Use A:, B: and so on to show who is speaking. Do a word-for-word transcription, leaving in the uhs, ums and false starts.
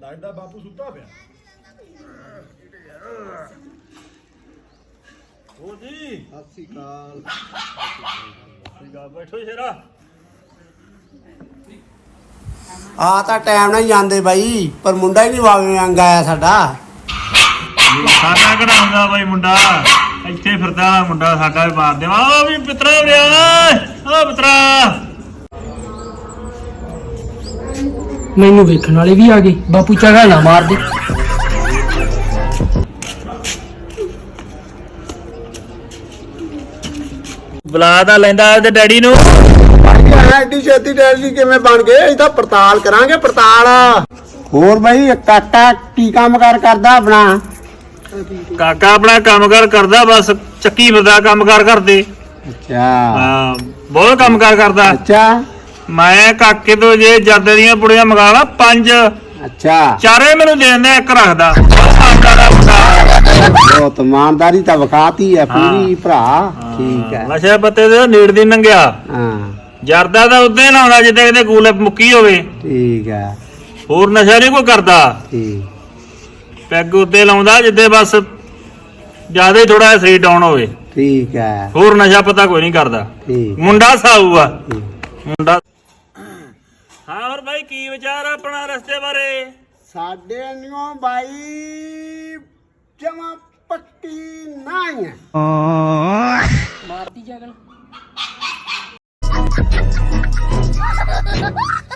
A: ਲੱਗਦਾ ਬਾਪੂ ਸੁੱਤਾ ਪਿਆ। ਹੋ ਜੀ
B: ਸਤਿ ਸ਼੍ਰੀ ਅਕਾਲ।
A: ਠੀਕ ਆ ਬੈਠੋ ਸ਼ੇਰਾ।
B: ਆ ਤਾਂ ਟਾਈਮ ਨਾਲ ਹੀ ਜਾਂਦੇ ਬਾਈ, ਪਰ ਮੁੰਡਾ ਹੀ ਨਹੀਂ ਵਾਵੇਂ ਅੰਗ ਆਇਆ ਸਾਡਾ।
A: ਸਾਡਾ ਕਿਹੜਾ ਹੁੰਦਾ ਬਾਈ ਮੁੰਡਾ, ਇੱਥੇ ਫਿਰਦਾ ਮੁੰਡਾ ਸਾਡਾ ਵੀ ਮਾਰ ਦੇਵਾ। ਆ ਵੀ ਪਿੱਤਰਾ ਉਰਿਆ ਆ ਪਿੱਤਰਾ।
C: ਮੈਨੂੰ ਵੇਖਣ ਵਾਲੇ ਵੀ ਆ ਗਏ। ਬਾਪੂ ਝਗੜਾ ਨਾ ਮਾਰ ਦੇ।
A: ਬੁਲਾ ਤਾਂ ਲੈਂਦਾ ਉਹਦੇ ਡੈਡੀ ਨੂੰ।
B: ਐਡੀ ਛੇਤੀ ਡੈਡੀ ਕਿਵੇਂ ਬਣ ਗਏ? ਇਹ ਤਾਂ ਪੜਤਾਲ ਕਰਾਂਗੇ ਪੜਤਾਲ। ਹੋਰ ਬਾਈ ਕਾਕਾ ਕੀ ਕੰਮ ਕਾਰ ਕਰਦਾ ਆਪਣਾ?
A: ਕਾਕਾ ਆਪਣਾ ਕੰਮ ਕਾਰ ਕਰਦਾ, ਬਸ ਚੱਕੀ ਫਿਰਦਾ ਕੰਮ ਕਾਰ ਕਰਦੇ।
B: ਅੱਛਾ
A: ਹਾਂ ਬਹੁਤ ਕੰਮ ਕਾਰ ਕਰਦਾ।
B: ਅੱਛਾ
A: ਮੈਂ ਕਾਕੇ ਤੋਂ ਜੇ ਜਰਦੇ ਦੀਆਂ ਪੁੜੀਆਂ ਮੰਗਾ ਲਾ ਪੰਜ,
B: ਅੱਛਾ
A: ਚਾਰੇ ਮੈਨੂੰ ਦੇ ਦਿੰਦਾ, ਇੱਕ ਰੱਖਦਾ।
B: ਬਹੁਤ ਇਮਾਨਦਾਰੀ ਤਾਂ ਵਿਖਾਤੀ ਹੈ ਪੂਰੀ ਭਰਾ। ਠੀਕ ਹੈ।
A: ਨਸ਼ੇ ਪੱਤੇ ਦੇ ਨੀੜ ਦੀ ਨੰਗਿਆ।
B: ਹਾਂ
A: ਜਰਦਾ ਤਾਂ ਉਦਾਂ ਹੀ ਲਾਉਂਦਾ ਜਿੱਦਾਂ ਕਿਤੇ ਗੂਲੇ ਮੁੱਕੀ ਹੋਵੇ।
B: ਠੀਕ ਹੈ।
A: ਹੋਰ ਨਸ਼ਾ ਨਹੀਂ ਕੋਈ ਕਰਦਾ।
B: ਠੀਕ
A: ਪੈਗ ਉੱਤੇ ਲਾਉਂਦਾ ਜਿੱਦੇ ਬਸ ਜਿਆਦਾ ਹੀ ਥੋੜਾ ਜਿਹਾ ਸਰੀਰ ਡਾਊਨ ਹੋਵੇ।
B: ਠੀਕ ਹੈ।
A: ਹੋਰ ਨਸ਼ਾ ਪਤਾ ਕੋਈ ਨਹੀਂ ਕਰਦਾ।
B: ਠੀਕ
A: ਮੁੰਡਾ ਸਾਊ ਆ ਮੁੰਡਾ। ਹਾਂ ਹੋਰ ਬਾਈ ਕੀ ਵਿਚਾਰ ਆ ਆਪਣਾ ਰਸਤੇ ਬਾਰੇ?
B: ਸਾਡੇ ਨਿਓ ਬਾਈ ਜਮਾ ਪੱਕੀ ਨਹੀਂ ਹੈ।
C: ਮਾਰਦੀ ਜਗਨ।